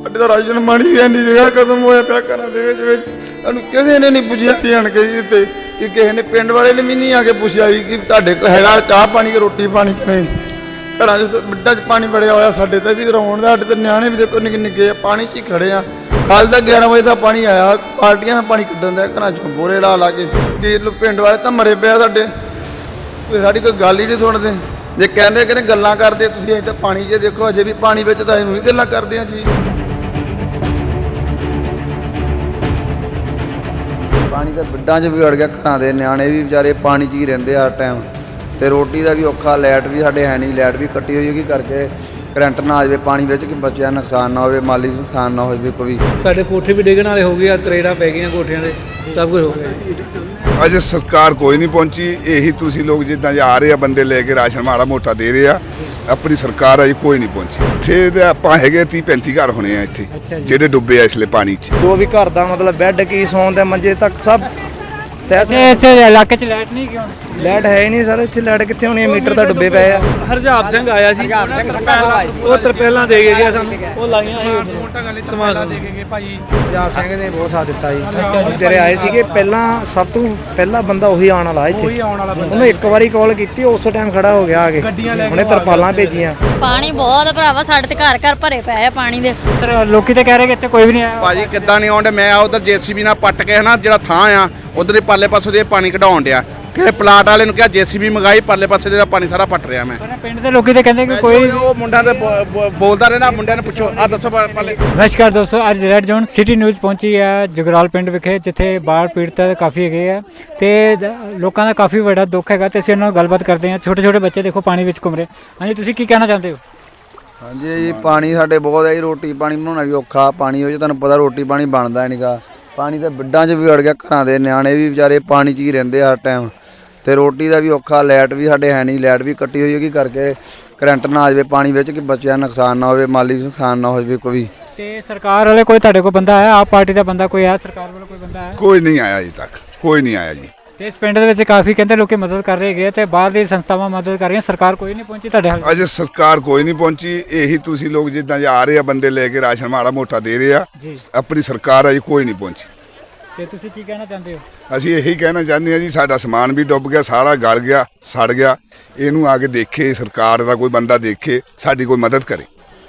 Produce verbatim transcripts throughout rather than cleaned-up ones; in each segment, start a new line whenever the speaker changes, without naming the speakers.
ਸਾਡੇ ਦਾ ਰਾਸ਼ਨ ਪਾਣੀ ਵੀ ਇੰਨੀ ਜਗ੍ਹਾ ਖਤਮ ਹੋਇਆ ਪਿਆ ਘਰਾਂ ਦੇ ਵਿੱਚ ਵਿੱਚ ਸਾਨੂੰ ਕਿਸੇ ਨੇ ਨਹੀਂ ਪੁੱਛਿਆ ਵੀ ਆਣ ਕੇ ਜੀ ਇੱਥੇ ਕਿ ਕਿਸੇ ਨੇ ਪਿੰਡ ਵਾਲੇ ਨੇ ਵੀ ਨਹੀਂ ਆ ਕੇ ਪੁੱਛਿਆ ਜੀ ਕਿ ਤੁਹਾਡੇ ਕੋਲ ਹੈਗਾ ਚਾਹ ਪਾਣੀ ਕਿ ਰੋਟੀ ਪਾਣੀ ਕਿ ਨਹੀਂ। ਘਰਾਂ 'ਚ ਮਿੱਟਾਂ 'ਚ ਪਾਣੀ ਵੜਿਆ ਹੋਇਆ ਸਾਡੇ ਤਾਂ ਅਸੀਂ ਰੋਣ ਦਾ ਸਾਡੇ ਤਾਂ ਨਿਆਣੇ ਵੀ ਦੇਖੋ ਨਿੱਕੇ ਨਿੱਕੇ ਆ ਪਾਣੀ 'ਚ ਹੀ ਖੜੇ ਆ। ਕੱਲ੍ਹ ਦਾ ਗਿਆਰਾਂ ਵਜੇ ਦਾ ਪਾਣੀ ਆਇਆ ਪਾਰਟੀਆਂ ਨਾਲ ਪਾਣੀ ਕੱਢਣ ਦਾ ਘਰਾਂ 'ਚੋਂ ਬੋਰੇ ਲਾ ਲਾ ਕੇ ਕਿ ਪਿੰਡ ਵਾਲੇ ਤਾਂ ਮਰੇ ਪਿਆ ਸਾਡੇ ਕੋਈ ਸਾਡੀ ਕੋਈ ਗੱਲ ਹੀ ਨਹੀਂ ਸੁਣਦੇ। ਜੇ ਕਹਿੰਦੇ ਕਿ ਗੱਲਾਂ ਕਰਦੇ ਤੁਸੀਂ ਅਜੇ ਤਾਂ ਪਾਣੀ 'ਚ ਦੇਖੋ ਅਜੇ ਵੀ ਪਾਣੀ ਵਿੱਚ ਤਾਂ ਅਸੀਂ ਵੀ ਗੱਲਾਂ ਕਰਦੇ ਹਾਂ ਜੀ। ਪਾਣੀ ਤਾਂ ਬਿੱਡਾਂ 'ਚ ਵੀ ਅੜ ਗਿਆ ਘਰਾਂ ਦੇ ਨਿਆਣੇ ਵੀ ਵਿਚਾਰੇ ਪਾਣੀ 'ਚ ਹੀ ਰਹਿੰਦੇ ਹਰ ਟਾਈਮ ਤੇ ਰੋਟੀ ਦਾ ਵੀ ਔਖਾ ਲਾਈਟ ਵੀ ਸਾਡੇ ਹੈ ਨਹੀਂ ਲਾਈਟ ਵੀ ਕੱਟੀ ਹੋਈ ਹੈ ਕਿ ਕਰਕੇ ਕਰੰਟ ਨਾ ਆ ਜਾਵੇ ਪਾਣੀ ਵਿੱਚ ਕਿ ਬੱਚਿਆਂ ਨੂੰ ਨੁਕਸਾਨ ਨਾ ਹੋਵੇ ਮਾਲੀ ਨੁਕਸਾਨ ਨਾ ਹੋਵੇ ਕੋਈ।
ਸਾਡੇ ਕੋਠੇ ਵੀ ਡਿੱਗਣ ਵਾਲੇ ਹੋ ਗਏ ਆ ਤਰੇੜਾਂ ਪੈ ਗਈਆਂ ਕੋਠਿਆਂ ਦੇ ਸਭ ਕੁਝ ਹੋ ਗਿਆ।
ਅਜੇ ਸਰਕਾਰ ਕੋਈ ਨਹੀਂ ਪਹੁੰਚੀ। ਇਹੀ ਤੁਸੀਂ ਲੋਕ ਜਿੱਦਾਂ ਆ ਰਹੇ ਆ ਬੰਦੇ ਲੈ ਕੇ ਰਾਸ਼ਨ ਮਾੜਾ ਮੋਟਾ ਦੇ ਰਹੇ ਆ ਆਪਣੀ ਸਰਕਾਰ ਅਜੇ ਕੋਈ ਨਹੀਂ ਪਹੁੰਚੀ। ਇੱਥੇ ਤੇ ਆਪਾਂ ਹੈਗੇ ਤੀਹ ਪੈਂਤੀ ਘਰ ਹੋਣੇ ਆ ਇੱਥੇ ਜਿਹੜੇ ਡੁੱਬੇ ਆ ਇਸਲੇ ਪਾਣੀ 'ਚ।
ਜੋ ਵੀ ਘਰ ਦਾ ਮਤਲਬ ਬੈੱਡ ਕੀ ਸੌਣ ਦੇ ਮੰਜੇ ਤੱਕ ਸਭ
ਇਸੇ ਇਲਾਕੇ 'ਚ ਲਾਈਟ ਨਹੀਂ ਕਿਉਂ?
ਲਾਈਟ ਹੈ ਹੀ ਨਹੀਂ ਸਰ ਇੱਥੇ ਲਾਈਟ ਕਿੱਥੇ ਹੋਣੀ ਹੈ ਮੀਟਰ ਤਾਂ ਡੁੱਬੇ ਪਏ ਆ।
ਹਰਜਾਬ ਸਿੰਘ ਆਇਆ ਸੀ ਉਹ ਤਰਪਾਲਾਂ ਦੇ ਕੇ ਗਿਆ ਸਾਨੂੰ ਉਹ ਲਾਈਆਂ ਸੀ ਸਮਾਨ ਦੇ ਕੇ ਗਏ ਭਾਈ।
ਹਰਜਾਬ ਸਿੰਘ ਨੇ ਬਹੁਤ ਸਾਥ ਦਿੱਤਾ ਜੀ ਜਿਹੜੇ ਆਏ ਸੀਗੇ ਪਹਿਲਾਂ ਸਭ ਤੋਂ ਪਹਿਲਾ ਬੰਦਾ ਉਹੀ ਆਉਣ ਵਾਲਾ ਇੱਥੇ ਉਹਨੂੰ ਇੱਕ ਵਾਰੀ ਕਾਲ ਕੀਤੀ ਉਸੇ ਟਾਈਮ ਖੜਾ ਹੋ ਗਿਆ ਆ ਕੇ ਉਹਨੇ ਤਰਪਾਲਾਂ ਭੇਜੀਆਂ।
ਪਾਣੀ ਬਹੁਤ ਭਰਾਵਾ ਸਾਡੇ ਤੇ ਘਰ ਘਰ ਭਰੇ ਪਏ ਆ ਪਾਣੀ ਦੇ।
ਲੋਕੀ ਤਾਂ ਕਹਿ ਰਹੇ ਕਿ ਇੱਥੇ ਕੋਈ ਵੀ ਨਹੀਂ ਆਇਆ।
ਭਾਜੀ ਕਿੱਦਾਂ ਨਹੀਂ ਆਉਂਦੇ ਮੈਂ ਉਧਰ ਜੇਸੀਬੀ ਨਾਲ ਪੱਟ ਕੇ ਹਨਾ ਜਿਹੜਾ ਥਾਂ ਆ ਉਧਰ ਦੇ ਪਾਲੇ ਪਾਸੋਂ ਦੇ ਪਾਣੀ ਕਢਾਉਣ ਡਿਆ ਕਿ ਪਲਾਟ ਵਾਲੇ ਨੂੰ ਕਿਹਾ ਜੇਸੀਬੀ ਮੰਗਾਈ ਪਾਲੇ ਪਾਸੇ ਜਿਹੜਾ ਪਾਣੀ ਸਾਰਾ ਪੱਟ ਰਿਹਾ ਮੈਂ।
ਪਿੰਡ ਦੇ ਲੋਕੀ ਤਾਂ ਕਹਿੰਦੇ ਕਿ ਕੋਈ
ਉਹ ਮੁੰਡਾ ਤੇ ਬੋਲਦਾ ਰਹਿਣਾ ਮੁੰਡਿਆਂ ਨੂੰ ਪੁੱਛੋ ਆ ਦੱਸੋ ਪਾਲੇ।
ਨਮਸਕਾਰ ਦੋਸਤੋ ਅੱਜ ਰੈਡ ਜ਼ੋਨ ਸਿਟੀ ਨਿਊਜ਼ ਪਹੁੰਚੀ ਹੈ ਜਗਰਾਲ ਪਿੰਡ ਵਿਖੇ ਜਿੱਥੇ ਬਾੜ ਪੀੜਤ ਕਾਫੀ ਹੈਗੇ ਆ ਤੇ ਲੋਕਾਂ ਦਾ ਕਾਫੀ ਵੱਡਾ ਦੁੱਖ ਹੈਗਾ ਤੇ ਅਸੀਂ ਉਹਨਾਂ ਨਾਲ ਗੱਲਬਾਤ ਕਰਦੇ ਹਾਂ। ਛੋਟੇ ਛੋਟੇ ਬੱਚੇ ਦੇਖੋ ਪਾਣੀ ਵਿੱਚ ਘੁੰਮ ਰਹੇ। ਹਾਂਜੀ ਤੁਸੀਂ ਕੀ ਕਹਿਣਾ ਚਾਹੁੰਦੇ ਹੋ?
ਹਾਂਜੀ ਜੀ ਪਾਣੀ ਸਾਡੇ ਬਹੁਤ ਹੈ ਜੀ ਰੋਟੀ ਪਾਣੀ ਬਣਾਉਣਾ ਵੀ ਔਖਾ ਪਾਣੀ ਹੋ ਜੇ ਤੁਹਾਨੂੰ ਪਤਾ ਰੋਟੀ ਪਾਣੀ ਬਣਦਾ ਨਹੀਂਗਾ। ਪਾਣੀ ਤਾਂ ਬਿੱਡਾਂ 'ਚ ਵੀ ਅੜ ਗਿਆ ਘਰਾਂ ਦੇ ਨਿਆਣੇ ਵੀ ਵਿਚਾਰੇ ਪਾਣੀ 'ਚ ਹੀ ਰਹਿੰਦੇ ਹਰ ਟਾਈਮ ਤੇ ਰੋਟੀ ਦਾ ਵੀ ਔਖਾ ਲਾਈਟ ਵੀ ਸਾਡੇ ਹੈ ਨਹੀਂ ਲਾਈਟ ਵੀ ਕੱਟੀ ਹੋਈ ਹੈ ਕਿ ਕਰਕੇ ਕਰੰਟ ਨਾ ਆ ਜਾਵੇ ਪਾਣੀ ਵਿੱਚ ਕਿ ਬੱਚਿਆਂ ਨੂੰ ਨੁਕਸਾਨ ਨਾ ਹੋਵੇ ਮਾਲੀ ਨੁਕਸਾਨ ਨਾ ਹੋਵੇ ਕੋਈ।
ਤੇ ਸਰਕਾਰ ਵਾਲੇ ਕੋਈ ਤੁਹਾਡੇ ਕੋਲ ਬੰਦਾ ਆਇਆ ਆਪ ਪਾਰਟੀ ਦਾ ਬੰਦਾ ਕੋਈ ਆਇਆ ਸਰਕਾਰ ਵੱਲੋਂ ਕੋਈ ਬੰਦਾ ਆਇਆ?
ਕੋਈ ਨਹੀਂ ਆਇਆ ਅਜੇ ਤੱਕ ਕੋਈ ਨਹੀਂ ਆਇਆ ਜੀ।
ਤੇ ਇਸ ਪਿੰਡ ਦੇ ਵਿੱਚ ਕਾਫੀ ਕਹਿੰਦੇ ਲੋਕੀ ਮਦਦ ਕਰ ਰਹੇ ਹੈਗੇ ਤੇ ਬਾਹਰ ਦੀ ਸੰਸਥਾਵਾਂ ਮਦਦ ਕਰ ਰਹੀਆਂ ਸਰਕਾਰ ਕੋਈ ਨਹੀਂ ਪਹੁੰਚੀ ਤੁਹਾਡੇ ਹਾਲ?
ਅਜੇ ਸਰਕਾਰ ਕੋਈ ਨਹੀਂ ਪਹੁੰਚੀ। ਇਹੀ ਤੁਸੀਂ ਲੋਕ ਜਿੱਦਾਂ ਆ ਰਹੇ ਆ ਬੰਦੇ ਲੈ ਕੇ ਰਾਸ਼ਨ ਮਾੜਾ ਮੋਟਾ ਦੇ ਰਹੇ ਆ ਆਪਣੀ ਸਰਕਾਰ ਅਜੇ ਕੋਈ ਨਹੀਂ ਪਹੁੰਚੀ।
ਤੇ ਤੁਸੀਂ ਕੀ ਕਹਿਣਾ ਚਾਹੁੰਦੇ ਹੋ?
ਅਸੀਂ ਇਹੀ ਕਹਿਣਾ ਚਾਹੁੰਦੇ ਹਾਂ ਜੀ ਸਾਡਾ ਸਮਾਨ ਵੀ ਡੁੱਬ ਗਿਆ ਸਾਰਾ ਗਲ ਗਿਆ ਸੜ ਗਿਆ ਇਹਨੂੰ ਆ ਕੇ ਦੇਖੇ ਸਰਕਾਰ ਦਾ ਕੋਈ ਬੰਦਾ ਦੇਖੇ ਸਾਡੀ ਕੋਈ ਮਦਦ ਕਰੇ।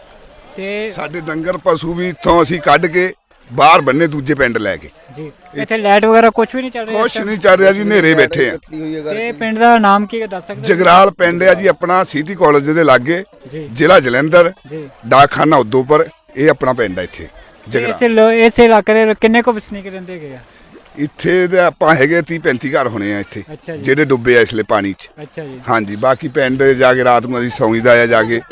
ਤੇ
ਸਾਡੇ ਡੰਗਰ ਪਸ਼ੂ ਵੀ ਇੱਥੋਂ ਅਸੀਂ ਕੱਢ ਕੇ ਬਾਹਰ ਬੰਨੇ ਦੂਜੇ ਪਿੰਡ ਲੈ ਕੇ।
ਜੀ ਇੱਥੇ ਲਾਈਟ ਵਗੈਰਾ ਕੁਝ ਵੀ ਨਹੀਂ ਚੱਲ ਰਿਹਾ?
ਕੁਛ ਨਹੀਂ ਚੱਲ ਰਿਹਾ ਜੀ ਹਨੇਰੇ ਬੈਠੇ ਆ।
ਤੇ ਪਿੰਡ ਦਾ ਨਾਮ ਕੀ ਹੈ ਦੱਸ ਸਕਦੇ?
ਜਗਰਾਲ ਪਿੰਡ ਆ ਜੀ ਆਪਣਾ ਸਿਟੀ ਕਾਲਜ ਦੇ ਲਾਗੇ ਜ਼ਿਲ੍ਹਾ ਜਲੰਧਰ ਡਾਕਖਾਨਾ ਉਦੋਂਪੁਰ ਇਹ ਆਪਣਾ ਪਿੰਡ ਆ ਇੱਥੇ ਜਗਰਾਲ।
ਇਸ ਇਲਾਕੇ ਦੇ ਕਿੰਨੇ ਕੁ ਵਸਨੀਕ ਰਹਿੰਦੇ ਹੈਗੇ ਆ?
ਇੱਥੇ ਤੇ ਆਪਾਂ ਹੈਗੇ ਤੀਹ ਪੈਂਤੀ ਘਰ ਹੋਣੇ ਆ ਇੱਥੇ ਜਿਹੜੇ ਡੁੱਬੇ ਆ ਇਸਲੇ ਪਾਣੀ 'ਚ।
ਅੱਛਾ ਜੀ।
ਹਾਂਜੀ ਬਾਕੀ ਪਿੰਡ ਜਾ ਕੇ ਰਾਤ ਨੂੰ ਅਸੀਂ ਸੌਂਈਦਾ ਆ ਜਾ ਕੇ।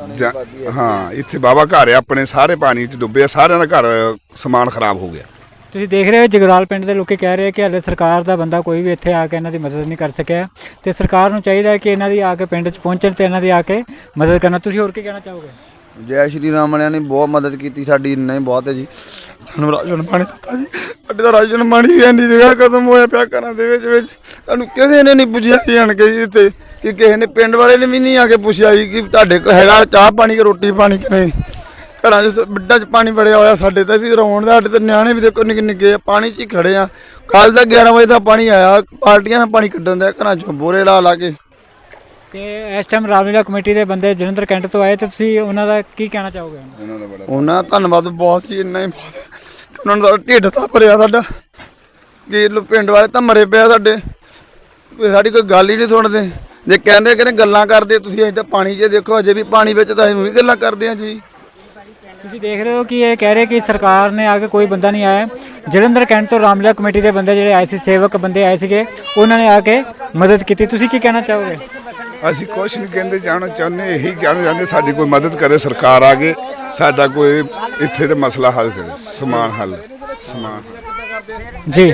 ਹਾਂ ਇੱਥੇ ਬਾਬਾ ਘਰ ਆ ਆਪਣੇ ਸਾਰੇ ਪਾਣੀ 'ਚ ਡੁੱਬੇ ਆ ਸਾਰਿਆਂ ਦਾ ਘਰ ਸਮਾਨ ਖਰਾਬ ਹੋ ਗਿਆ।
ਤੁਸੀਂ ਦੇਖ ਰਹੇ ਹੋ ਜਗਰਾਲ ਪਿੰਡ ਦੇ ਲੋਕੀ ਕਹਿ ਰਹੇ ਕਿ ਹਾਲੇ ਸਰਕਾਰ ਦਾ ਬੰਦਾ ਕੋਈ ਵੀ ਇੱਥੇ ਆ ਕੇ ਇਹਨਾਂ ਦੀ ਮਦਦ ਨਹੀਂ ਕਰ ਸਕਿਆ ਤੇ ਸਰਕਾਰ ਨੂੰ ਚਾਹੀਦਾ ਹੈ ਕਿ ਇਹਨਾਂ ਦੀ ਆ ਕੇ ਪਿੰਡ 'ਚ ਪਹੁੰਚਣ ਤੇ ਇਹਨਾਂ ਦੀ ਆ ਕੇ ਮਦਦ ਕਰਨਾ। ਤੁਸੀਂ ਹੋਰ ਕੀ ਕਹਿਣਾ ਚਾਹੋਗੇ?
ਜੈ ਸ਼੍ਰੀ ਰਾਮ ਵਾਲਿਆਂ ਨੇ ਬਹੁਤ ਮਦਦ ਕੀਤੀ ਸਾਡੀ ਇੰਨਾ ਹੀ ਬਹੁਤ ਹੈ ਜੀ। ਸਾਨੂੰ ਰਾਸ਼ਨ ਪਾਣੀ ਦਿੱਤਾ ਜੀ ਸਾਡੇ ਦਾ ਰਾਸ਼ਨ ਪਾਣੀ ਵੀ ਇੰਨੀ ਜਗ੍ਹਾ ਖਤਮ ਹੋਇਆ ਪਿਆ ਘਰਾਂ ਦੇ ਵਿੱਚ ਵਿੱਚ ਸਾਨੂੰ ਕਿਸੇ ਨੇ ਨਹੀਂ ਪੁੱਛਿਆ ਜੀ ਆਣ ਕੇ ਜੀ ਇੱਥੇ ਕਿ ਕਿਸੇ ਨੇ ਪਿੰਡ ਵਾਲੇ ਨੇ ਵੀ ਨਹੀਂ ਆ ਕੇ ਪੁੱਛਿਆ ਜੀ ਕਿ ਤੁਹਾਡੇ ਕੋਲ ਹੈਗਾ ਚਾਹ ਪਾਣੀ ਕਿ ਰੋਟੀ ਪਾਣੀ ਕਿ ਨਹੀਂ। ਘਰਾਂ 'ਚ ਬਿੱਡਾਂ 'ਚ ਪਾਣੀ ਵੜਿਆ ਹੋਇਆ ਸਾਡੇ ਤਾਂ ਅਸੀਂ ਰੋਣ ਦਾ ਸਾਡੇ ਤਾਂ ਨਿਆਣੇ ਵੀ ਦੇਖੋ ਨਿੱਕੇ ਨਿੱਕੇ ਆ ਪਾਣੀ 'ਚ ਹੀ ਖੜੇ ਆ। ਕੱਲ੍ਹ ਦਾ ਗਿਆਰਾਂ ਵਜੇ ਦਾ ਪਾਣੀ ਆਇਆ ਪਾਰਟੀਆਂ ਨਾਲ ਪਾਣੀ ਕੱਢਣ ਦਾ ਘਰਾਂ 'ਚੋਂ ਬੋਰੇ ਲਾ ਲਾ ਕੇ।
ਤੇ ਇਸ ਟਾਈਮ ਰਾਮਲੀਲਾ ਕਮੇਟੀ ਦੇ ਬੰਦੇ ਜਲੰਧਰ ਕੈਂਟ ਤੋਂ ਆਏ ਤੇ ਤੁਸੀਂ ਉਹਨਾਂ ਦਾ ਕੀ ਕਹਿਣਾ ਚਾਹੋਗੇ?
ਉਹਨਾਂ ਦਾ ਧੰਨਵਾਦ ਬਹੁਤ ਹੀ ਇੰਨਾ ਹੀ ਬਹੁਤ ਹੈ ਕਿ ਉਹਨਾਂ ਦਾ ਢਿੱਡ ਤਾਂ ਭਰਿਆ ਸਾਡਾ ਕਿ ਪਿੰਡ ਵਾਲੇ ਤਾਂ ਮਰੇ ਪਿਆ ਸਾਡੇ ਕੋਈ ਸਾਡੀ ਕੋਈ ਗੱਲ ਹੀ ਨਹੀਂ ਸੁਣਦੇ। ਜੇ ਕਹਿੰਦੇ ਕਿ ਗੱਲਾਂ ਕਰਦੇ ਤੁਸੀਂ ਅਜੇ ਤਾਂ ਪਾਣੀ 'ਚ ਦੇਖੋ ਅਜੇ ਵੀ ਪਾਣੀ ਵਿੱਚ ਤਾਂ ਅਸੀਂ ਵੀ ਗੱਲਾਂ ਕਰਦੇ ਹਾਂ ਜੀ।
ਤੁਸੀਂ ਦੇਖ ਰਹੇ ਹੋ ਕਿ ਇਹ ਕਹਿ ਰਹੇ ਕਿ ਸਰਕਾਰ ਨੇ ਆ ਕੇ ਕੋਈ ਬੰਦਾ ਨਹੀਂ ਆਇਆ। ਜਲੰਧਰ ਕੈਂਟ ਤੋਂ ਰਾਮਲੀਲਾ ਕਮੇਟੀ ਦੇ ਬੰਦੇ ਜਿਹੜੇ ਆਏ ਸੀ ਸੇਵਕ ਬੰਦੇ ਆਏ ਸੀਗੇ ਉਹਨਾਂ ਨੇ ਆ ਕੇ ਮਦਦ ਕੀਤੀ। ਤੁਸੀਂ ਕੀ ਕਹਿਣਾ ਚਾਹੋਗੇ?
ਅਸੀਂ ਕੁਛ ਨਹੀਂ ਕਹਿੰਦੇ ਜਾਣਾ ਚਾਹੁੰਦੇ ਇਹੀ ਕਹਿਣਾ ਚਾਹੁੰਦੇ ਸਾਡੀ ਕੋਈ ਮਦਦ ਕਰੇ ਸਰਕਾਰ ਆ ਕੇ ਸਾਡਾ ਕੋਈ ਇੱਥੇ ਦਾ ਮਸਲਾ ਹੱਲ ਕਰੇ ਸਮਾਨ ਹੱਲ ਸਮਾਨ
ਜੀ।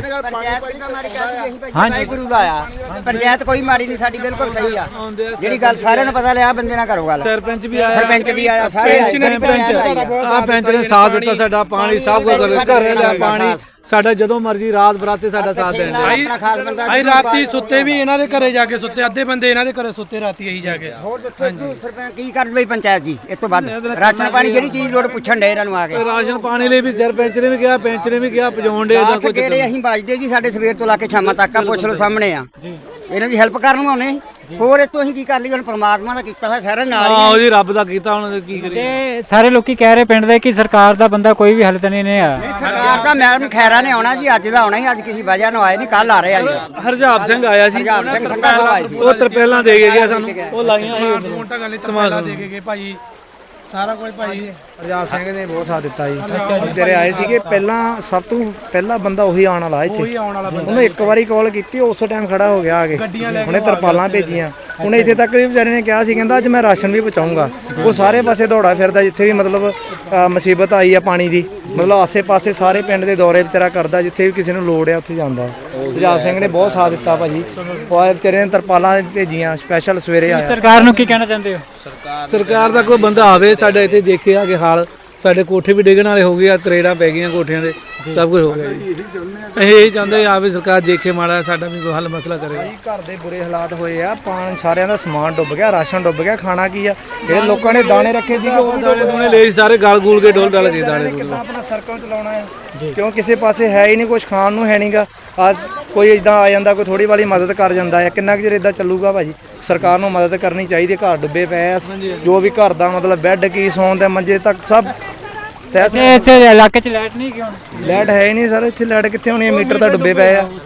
ਹਾਂਜੀ ਗੁਰੂ ਦਾ ਆ ਪੰਚਾਇਤ ਕੋਈ ਮਾੜੀ ਨਹੀਂ ਸਾਡੀ ਬਿਲਕੁਲ ਸਹੀ ਆ ਜਿਹੜੀ ਗੱਲ ਸਾਰਿਆਂ ਨੂੰ ਪਤਾ ਲਿਆ ਬੰਦੇ ਨਾਲ ਕਰੋ ਗੱਲ।
ਸਰਪੰਚ ਵੀ ਆਇਆ
ਸਰਪੰਚ ਵੀ ਆਇਆ ਸਾਰੇ
ਆ ਪੈਂਚ ਨੇ ਸਾਥ ਦਿੱਤਾ ਸਾਡਾ ਪਾਣੀ ਸਭ ਕੁਝ ਘਰੇ ਦਾ ਪਾਣੀ
ਸਾਡਾ ਜਦੋਂ ਮਰਜ਼ੀ ਰਾਤ ਬਰਾਤੇ ਸਾਡਾ ਸਾਥ ਦੇਣ
ਆਪਣਾ ਖਾਸ ਬੰਦਾ
ਅਸੀਂ ਰਾਤੀ ਸੁੱਤੇ ਵੀ ਇਹਨਾਂ ਦੇ ਘਰੇ ਜਾ ਕੇ ਸੁੱਤੇ, ਅੱਧੇ ਬੰਦੇ ਇਹਨਾਂ ਦੇ ਘਰੇ ਸੁੱਤੇ ਰਾਤੀ ਅਸੀਂ ਜਾ ਕੇ।
ਹੋਰ ਦੱਸੋ ਤੂੰ ਸਰਪੰਚ ਕੀ ਕਰ ਲਈ ਪੰਚਾਇਤ ਜੀ ਇਸ ਤੋਂ ਬਾਅਦ ਰਾਸ਼ਨ ਪਾਣੀ ਜਿਹੜੀ ਚੀਜ਼ ਲੋੜ ਪੁੱਛਣ ਡੇ ਇਹਨਾਂ ਨੂੰ ਆ ਕੇ
ਰਾਸ਼ਨ ਪਾਣੀ ਲਈ ਵੀ ਸਰਪੰਚ ਨੇ ਵੀ ਕਿਹਾ, ਪੈਂਚ ਨੇ ਵੀ ਕਿਹਾ, ਪਜਾਉਣ ਦੇ
ਦਾਸ ਜਿਹੜੇ ਅਸੀਂ ਵੱਜਦੇ ਜੀ ਸਾਡੇ ਸਵੇਰ ਤੋਂ ਲਾ ਕੇ ਸ਼ਾਮਾਂ ਤੱਕ ਆ, ਪੁੱਛ ਲਓ ਸਾਹਮਣੇ ਆ ਇਹਨਾਂ ਦੀ ਹੈਲਪ ਕਰਨ ਨੂੰ ਆਉਣੇ। ਹੋਰ ਇਹ ਤੋਂ ਅਸੀਂ ਕੀ ਕਰ ਲਈ, ਹੁਣ ਪਰਮਾਤਮਾ ਦਾ ਕੀਤਾ ਹੋਇਆ ਸਾਰਾ ਨਾਲ ਹੀ
ਆਹੋ ਜੀ, ਰੱਬ ਦਾ ਕੀਤਾ, ਹੁਣ ਕੀ ਕਰੀਏ।
ਤੇ ਸਾਰੇ ਲੋਕੀ ਕਹਿ ਰਹੇ ਪਿੰਡ ਦੇ ਕਿ ਸਰਕਾਰ ਦਾ ਬੰਦਾ ਕੋਈ ਵੀ ਹੱਲ ਤਾਂ ਨਹੀਂ ਆ।
ਨਹੀਂ, ਸਰਕਾਰ ਦਾ ਮੈਡਮ ਖੈਰਾ ਨੇ ਆਉਣਾ ਜੀ, ਅੱਜ ਦਾ ਆਉਣਾ ਹੀ, ਅੱਜ ਕਿਸੇ ਵਜ੍ਹਾ ਨਾਲ ਆਏ ਨਹੀਂ, ਕੱਲ ਆ ਰਹੇ ਆ ਜੀ।
ਹਰਜਾਬ ਸਿੰਘ ਆਇਆ ਸੀ,
ਹਰਜਾਬ ਸਿੰਘ ਸੰਘਾ ਸਾਹਿਬ ਆਏ ਸੀ,
ਉਹ ਤਰਪੇਲਾਂ ਦੇ ਕੇ ਗਿਆ ਸਾਨੂੰ, ਉਹ ਲਾਈਆਂ ਸੀ ਸਮਾਨ ਦੇ ਕੇ ਗਏ ਭਾਈ, ਸਾਰਾ ਕੁਝ ਭਾਈ।
ਹਰਜਾਬ ਸਿੰਘ ਨੇ ਬਹੁਤ ਸਾਥ ਦਿੱਤਾ ਜੀ। ਜਿਹੜੇ ਆਏ ਸੀਗੇ ਪਹਿਲਾਂ, ਸਭ ਤੋਂ ਪਹਿਲਾ ਬੰਦਾ ਉਹੀ ਆਉਣ ਵਾਲਾ ਇੱਥੇ। ਉਹਨੂੰ ਇੱਕ ਵਾਰੀ ਕਾਲ ਕੀਤੀ, ਉਸ ਟਾਈਮ ਖੜਾ ਹੋ ਗਿਆ ਆ ਕੇ, ਉਹਨੇ ਤਰਪਾਲਾਂ ਭੇਜੀਆਂ। ਉਹਨੇ ਇੱਥੇ ਤੱਕ ਵੀ ਵਿਚਾਰੇ ਨੇ ਕਿਹਾ ਸੀ, ਕਹਿੰਦਾ ਅੱਜ ਮੈਂ ਰਾਸ਼ਨ ਵੀ ਪਹੁੰਚਾਊਂਗਾ। ਉਹ ਸਾਰੇ ਪਾਸੇ ਦੌੜਾ ਫਿਰਦਾ, ਜਿੱਥੇ ਵੀ ਮਤਲਬ ਅ, ਮੁਸੀਬਤ ਆਈ ਆ ਪਾਣੀ ਦੀ, ਮਤਲਬ ਆਸੇ-ਪਾਸੇ ਸਾਰੇ ਪਿੰਡ ਦੇ ਦੌਰੇ ਵਿਚਾਰਾ ਕਰਦਾ, ਜਿੱਥੇ ਵੀ ਕਿਸੇ ਨੂੰ ਲੋੜ ਆ ਉੱਥੇ ਜਾਂਦਾ। ਹਰਜਾਬ ਸਿੰਘ ਨੇ ਬਹੁਤ ਸਾਥ ਦਿੱਤਾ ਭਾਜੀ, ਉਹ ਆਏ ਵਿਚਾਰੇ ਨੇ ਤਰਪਾਲਾਂ ਭੇਜੀਆਂ, ਸਪੈਸ਼ਲ ਸਵੇਰੇ ਆਇਆ।
ਸਰਕਾਰ ਨੂੰ ਕੀ ਕਹਿਣਾ ਚਾਹੁੰਦੇ ਹੋ?
ਸਰਕਾਰ ਦਾ ਕੋਈ ਬੰਦਾ ਆਵੇ ਸਾਡੇ ਇੱਥੇ, ਦੇਖੇ ਆ ਕਿ ਹਾਲ ਸਾਡੇ ਕੋਠੇ ਵੀ ਡਿੱਗਣ ਵਾਲੇ ਹੋ ਗਏ ਆ, ਤਰੇੜਾਂ ਪੈ ਗਈਆਂ ਕੋਠਿਆਂ ਦੇ, ਸਭ ਕੁਝ ਹੋ ਗਿਆ ਜੀ। ਅਸੀਂ ਇਹ ਚਾਹੁੰਦੇ ਆਵੇ ਸਰਕਾਰ ਦੇਖੇ ਮਾੜਾ ਸਾਡਾ ਵੀ ਕੋਈ ਹੱਲ ਮਸਲਾ ਕਰੇ।
ਘਰ ਦੇ ਬੁਰੇ ਹਾਲਾਤ ਹੋਏ ਆ, ਪਾਣੀ ਸਾਰਿਆਂ ਦਾ ਸਮਾਨ ਡੁੱਬ ਗਿਆ, ਰਾਸ਼ਨ ਡੁੱਬ ਗਿਆ, ਖਾਣਾ ਕੀ ਆ, ਜਿਹੜੇ ਲੋਕਾਂ ਨੇ ਦਾਣੇ ਰੱਖੇ ਸੀਗੇ ਉਹ ਵੀ
ਦਾਣੇ ਦੂਣੇ ਲੈ ਸਾਰੇ ਗਲ ਗੂਲ ਕੇ ਡੋਲ ਡਾਲ ਕੇ ਦਾਣੇ ਦੂਣੇ।
ਕਿੱਦਾਂ ਆਪਣਾ ਸਰਕਲ ਚਲਾਉਣਾ ਹੈ, ਕਿਉਂ ਕਿਸੇ ਪਾਸੇ ਹੈ ਹੀ ਨਹੀਂ, ਕੁਝ ਖਾਣ ਨੂੰ ਹੈ ਨਹੀਂਗਾ। ਅੱਜ ਕੋਈ ਇਦਾਂ ਆ ਜਾਂਦਾ, ਕੋਈ ਥੋੜੀ ਵਾਲੀ ਮਦਦ ਕਰ ਜਾਂਦਾ ਹੈ, ਕਿੰਨਾ ਕੁ ਚਿਰ ਇਦਾਂ ਚੱਲੂਗਾ ਭਾਜੀ? ਸਰਕਾਰ ਨੂੰ ਮਦਦ ਕਰਨੀ ਚਾਹੀਦੀ। ਘਰ ਡੁੱਬੇ ਪਏ ਆ, ਜੋ ਵੀ ਘਰ ਦਾ ਮਤਲਬ ਬੈੱਡ ਕੀ, ਸੌਣ ਦੇ ਮੰਜੇ ਤੱਕ ਸਭ।
ਤੇ ਇਸੇ ਇਲਾਕੇ 'ਚ ਲਾਈਟ ਨਹੀਂ ਕਿਉਂ?
ਲਾਈਟ ਹੈ ਹੀ ਨਹੀਂ ਸਰ, ਇੱਥੇ ਲਾਈਟ ਕਿੱਥੇ ਹੋਣੀ ਹੈ? ਮੀਟਰ ਤਾਂ ਡੁੱਬੇ ਪਏ ਆ,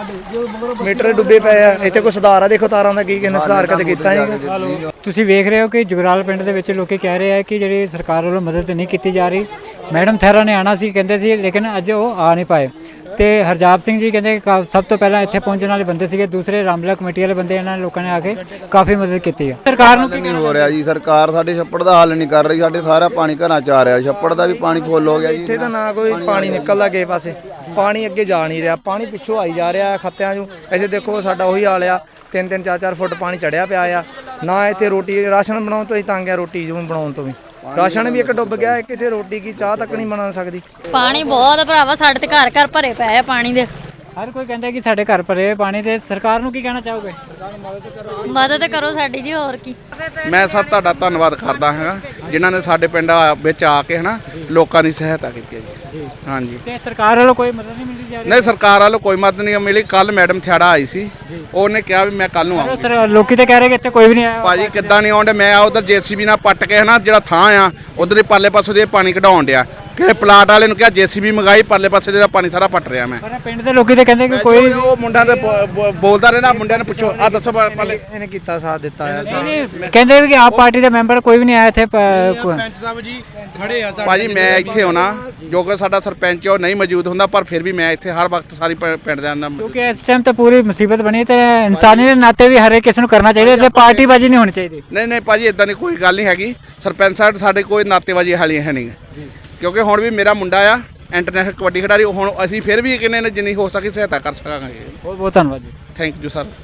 ਮੀਟਰ ਡੁੱਬੇ ਪਏ ਆ। ਇੱਥੇ ਕੋਈ ਸੁਧਾਰ ਆ? ਦੇਖੋ ਤਾਰਾਂ ਦਾ ਕੀ ਕਿਸੇ ਨੇ ਸੁਧਾਰ ਕਦੇ ਕੀਤਾ ਨਹੀਂ।
ਤੁਸੀਂ ਵੇਖ ਰਹੇ ਹੋ ਕਿ ਜੁਗਰਾਲ ਪਿੰਡ ਦੇ ਵਿੱਚ ਲੋਕੀ ਕਹਿ ਰਹੇ ਆ ਕਿ ਜਿਹੜੀ ਸਰਕਾਰ ਵੱਲੋਂ ਮਦਦ ਨਹੀਂ ਕੀਤੀ ਜਾ ਰਹੀ। ਮੈਡਮ ਥੈਰਾ ਨੇ ਆਣਾ ਸੀ ਕਹਿੰਦੇ ਸੀ, ਲੇਕਿਨ ਅੱਜ ਉਹ ਆ ਨਹੀਂ ਪਾਏ। ਤੇ ਹਰਜਾਬ ਸਿੰਘ ਜੀ ਕਹਿੰਦੇ ਕਾ- ਸਭ ਤੋਂ ਪਹਿਲਾਂ ਇੱਥੇ ਪਹੁੰਚਣ ਵਾਲੇ ਬੰਦੇ ਸੀਗੇ, ਦੂਸਰੇ ਰਾਮਲਾ ਕਮੇਟੀ ਵਾਲੇ ਬੰਦੇ, ਇਹਨਾਂ ਨੇ ਲੋਕਾਂ ਨੇ ਆ ਕੇ ਕਾਫੀ ਮਦਦ ਕੀਤੀ ਹੈ। ਸਰਕਾਰ ਨੂੰ ਕੀ
ਨਹੀਂ ਹੋ ਰਿਹਾ ਜੀ, ਸਰਕਾਰ ਸਾਡੇ ਛੱਪੜ ਦਾ ਹੱਲ ਨਹੀਂ ਕਰ ਰਹੀ। ਸਾਡੇ ਸਾਰਾ ਪਾਣੀ ਘਰਾਂ ਚ ਆ ਰਿਹਾ, ਛੱਪੜ ਦਾ ਵੀ ਪਾਣੀ ਫੁੱਲ ਹੋ ਗਿਆ ਜੀ।
ਇੱਥੇ ਤਾਂ ਨਾ ਕੋਈ ਪਾਣੀ ਨਿਕਲਦਾ ਕਿਸੇ ਪਾਸੇ, ਪਾਣੀ ਅੱਗੇ ਜਾ ਨਹੀਂ ਰਿਹਾ, ਪਾਣੀ ਪਿੱਛੋਂ ਆਈ ਜਾ ਰਿਹਾ ਖੱਤਿਆਂ 'ਚੋਂ। ਐਸੇ ਦੇਖੋ ਸਾਡਾ ਉਹੀ ਹਾਲ ਆ, ਤਿੰਨ ਤਿੰਨ ਚਾਰ ਚਾਰ ਫੁੱਟ ਪਾਣੀ ਚੜਿਆ ਪਿਆ ਆ। ਨਾ ਇੱਥੇ ਰੋਟੀ ਰਾਸ਼ਨ ਬਣਾਉਣ ਤੋਂ ਹੀ ਤੰਗ ਆ, ਰੋਟੀ ਜਿਵੇਂ ਬਣਾਉਣ ਤੋਂ ਵੀ ਰਾਸ਼ਨ ਵੀ ਇੱਕ ਡੁੱਬ ਗਿਆ, ਇੱਕ ਇੱਥੇ ਰੋਟੀ ਕੀ ਚਾਹ ਤੱਕ ਨਹੀਂ ਬਣਾ ਸਕਦੀ।
ਪਾਣੀ ਬਹੁਤ ਆ ਭਰਾਵਾ, ਸਾਡੇ ਤੇ ਘਰ ਘਰ ਭਰੇ ਪਏ ਆ ਪਾਣੀ ਦੇ।
ਹਰ ਕੋਈ ਕਹਿੰਦਾ ਕਿ ਸਾਡੇ ਘਰ ਭਰੇ ਪਾਣੀ। ਤੇ ਸਰਕਾਰ ਨੂੰ ਕੀ ਕਹਿਣਾ ਚਾਹੋਗੇ?
ਮਦਦ ਕਰੋ ਸਾਡੀ ਜੀ, ਹੋਰ ਕੀ।
ਮੈਂ ਸਭ ਤੁਹਾਡਾ ਧੰਨਵਾਦ ਕਰਦਾ ਹਾਂ ਜਿਨ੍ਹਾਂ ਨੇ ਸਾਡੇ ਪਿੰਡ ਆ- ਵਿੱਚ ਆ ਕੇ ਹਨਾ ਲੋਕਾਂ ਦੀ ਸਹਾਇਤਾ ਕੀਤੀ ਹੈ ਜੀ। ਹਾਂਜੀ।
ਤੇ ਸਰਕਾਰ ਵੱਲੋਂ ਕੋਈ ਮਦਦ ਨਹੀਂ ਮਿਲਦੀ ਜਾ ਰਹੀ?
ਨਹੀਂ, ਸਰਕਾਰ ਵੱਲੋਂ ਕੋਈ ਮਦਦ ਨਹੀਂ ਮਿਲੀ। ਕੱਲ ਮੈਡਮ ਥਿਆੜਾ ਆਈ ਸੀ, ਉਹਨੇ ਕਿਹਾ ਵੀ ਮੈਂ ਕੱਲ ਨੂੰ ਆਉਂਗੀ।
ਸਰ ਲੋਕੀ ਤਾਂ ਕਹਿ ਰਹੇ ਕਿ ਇੱਥੇ ਕੋਈ ਵੀ ਨਹੀਂ ਆਇਆ।
ਭਾਜੀ ਕਿੱਦਾਂ ਨਹੀਂ ਆਉਂਦੇ? ਮੈਂ ਉਧਰ ਜੇਸੀਬੀ ਨਾਲ ਪੱਟ ਕੇ ਹਨਾ ਜਿਹੜਾ ਥਾਂ ਆ ਉਧਰ ਹੀ ਪਾਲੇ ਪਾਸੋਂ ਦੇ ਪਾਣੀ ਕਢਾਉਣ ਡਿਆ, ਕਿ ਪਲਾਟ ਵਾਲੇ ਨੂੰ ਕਿਹਾ ਜੇਸੀਬੀ ਮੰਗਾਈ, ਪਾਲੇ ਪਾਸੇ ਜਿਹੜਾ ਪਾਣੀ ਸਾਰਾ ਪੱਟ ਰਿਹਾ ਮੈਂ।
ਪਰ ਪਿੰਡ ਦੇ ਲੋਕੀ ਤਾਂ ਕਹਿੰਦੇ ਕਿ ਕੋਈ
ਉਹ ਮੁੰਡਾ ਤੇ ਬੋ- ਬੋ- ਬੋਲਦਾ ਰਹਿਣਾ, ਮੁੰਡਿਆਂ ਨੂੰ ਪੁੱਛੋ। ਆ ਦੱਸੋ ਪਾਲੇ
ਇਹਨੇ ਕੀਤਾ ਸਾਥ ਦਿੱਤਾ ਆ।
ਕਹਿੰਦੇ ਵੀ ਕਿ ਆਪ ਪਾਰਟੀ ਦੇ ਮੈਂਬਰ ਕੋਈ ਵੀ ਨਹੀਂ ਆਇਆ ਇੱਥੇ। ਪ- ਕੋਈ-
ਸਾਹਿਬ ਜੀ ਖੜੇ ਆ
ਭਾਜੀ ਮੈਂ ਇੱਥੇ ਆਉਣਾ, ਜੋ ਕਿ ਸਾਡਾ ਸਰਪੰਚ ਉਹ ਨਹੀਂ ਮੌਜੂਦ ਹੁੰਦਾ, ਪਰ ਫਿਰ ਵੀ ਮੈਂ ਇੱਥੇ ਹਰ ਵਕਤ ਸਾਰੀ ਪ- ਪਿੰਡ ਦੇ ਨਾਲ।
ਕਿਉਂਕਿ ਇਸ ਟਾਈਮ ਤਾਂ ਪੂਰੀ ਮੁਸੀਬਤ ਬਣੀ ਤੇ ਇਨਸਾਨੀ ਦੇ ਨਾਤੇ ਵੀ ਹਰੇਕ ਕਿਸੇ ਨੂੰ ਕਰਨਾ ਚਾਹੀਦਾ ਤੇ ਪਾਰਟੀਬਾਜ਼ੀ ਨਹੀਂ ਹੋਣੀ ਚਾਹੀਦੀ।
ਨਹੀਂ ਨਹੀਂ ਭਾਜੀ ਇਦਾਂ ਦੀ ਕੋਈ ਗੱਲ ਨਹੀਂ ਹੈਗੀ। ਸਰਪੰਚ ਸਾਹਿਬ ਸਾਡੇ ਕੋਈ ਨਾਤੇਬਾਜ਼ੀ ਵਾਲੀ ਹੈ ਨਹੀਂ, ਕਿਉਂਕਿ ਹੁਣ ਵੀ ਮੇਰਾ ਮੁੰਡਾ ਆ ਇੰਟਰਨੈਸ਼ਨਲ ਕਬੱਡੀ ਖਿਡਾਰੀ। ਹੁਣ ਅਸੀਂ ਫਿਰ ਵੀ ਕਿੰਨੇ ਨੇ ਜਿੰਨੀ ਹੋ ਸਕੀ ਸਹਾਇਤਾ ਕਰ ਸਕਾਂਗੇ।
ਬਹੁਤ ਬਹੁਤ ਧੰਨਵਾਦ ਜੀ।
Thank you sir.